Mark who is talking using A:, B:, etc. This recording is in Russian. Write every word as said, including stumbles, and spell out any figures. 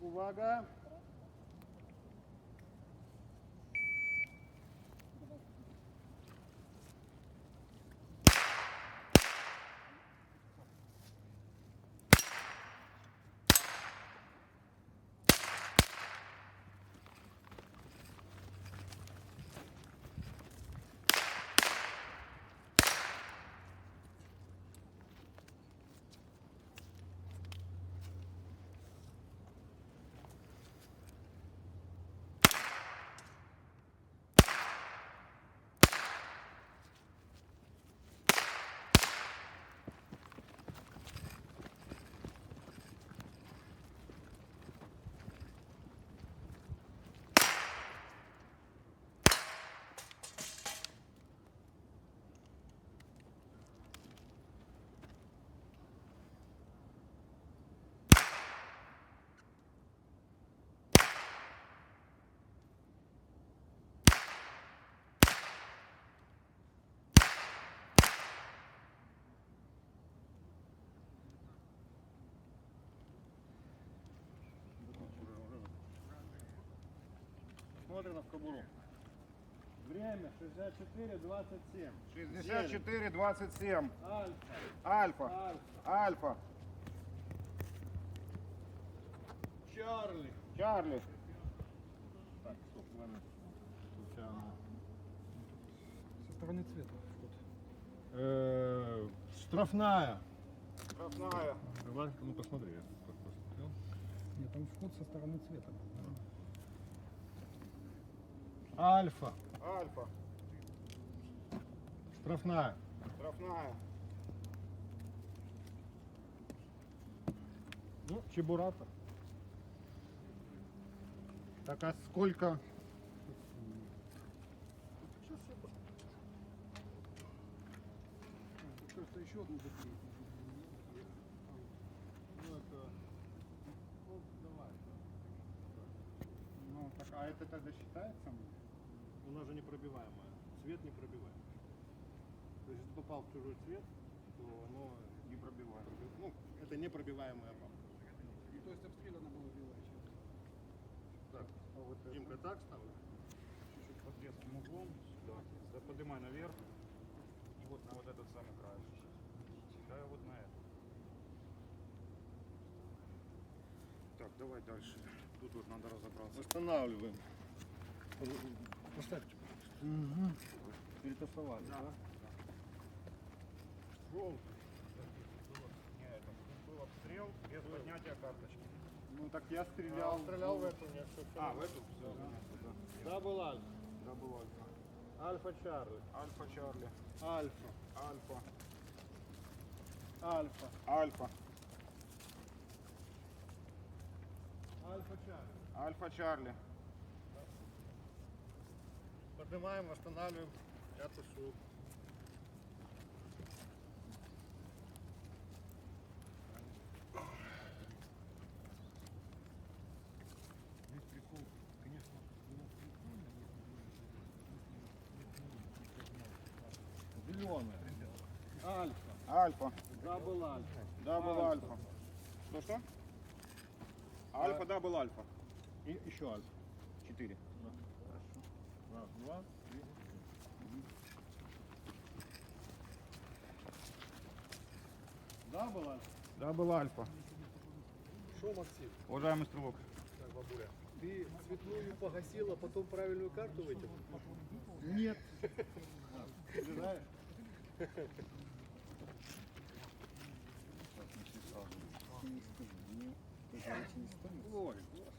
A: Увага. Смотрим в кобуру. Время шестьдесят четыре двадцать семь.
B: шестьдесят четыре двадцать семь.
A: Альфа.
B: Альфа.
A: Альфа.
B: Альфа.
A: Чарли.
B: Чарли.
A: Так, стоп, момент. Случайно.
C: Со стороны цвета вход.
A: Э, Штрафная.
B: Штрафная.
A: Давай, ну посмотри, я как посмотрел.
C: Нет, там вход со стороны цвета.
A: Альфа.
B: Альфа.
A: Штрафная.
B: Штрафная.
A: Ну, Чебурата.
B: Так, а сколько?
C: Просто еще одну закрыть.
A: Ну, это... Ну, давай.
B: Ну, так, а это тогда считается?
A: У нас же непробиваемое. Цвет непробиваемый. То есть, если попал в чужой цвет, то оно
B: Не пробиваем.
A: ну, это непробиваемая бабка.
C: И то есть обстреляна была белая часть.
A: Так,
B: А вот это?
A: Димка, так ставлю. Чуть-чуть под резким углом. Сюда. Да, поднимай наверх. И вот на вот этот самый край. Да, вот на это.
B: Так, давай дальше. Тут вот надо разобраться.
A: Восстанавливаем. Поставьте.
B: Угу.
A: Перетасовали, да? Желтый.
B: Нет, это был обстрел без поднятия карточки.
A: Ну так я стрелял.
B: Я стрелял в эту, нет, все,
A: А, в эту? Все. Да, был Альфа.
B: Да, был Альфа.
A: Альфа Чарли.
B: Альфа Чарли.
A: Альфа.
B: Альфа.
A: Альфа.
B: Альфа.
A: Альфа Чарли.
B: Альфа Чарли.
A: Поднимаем, восстанавливаем. Я тушу.
B: Здесь прикол, конечно, было прикольно, если
A: Зеленая. Альфа.
B: Альфа.
A: Дабл Альфа.
B: Дабл Альфа. Что, что? Альфа, дабл Альфа.
A: И еще Альфа.
B: Четыре.
A: Раз, два, три. Дабл Альфа.
B: Дабл Альфа.
C: Шо, Максим?
B: Уважаемый стрелок.
C: Так, бабуля. Ты цветную погасила, потом правильную карту вытянул?
A: Нет. Ты знаешь? Ой, господи.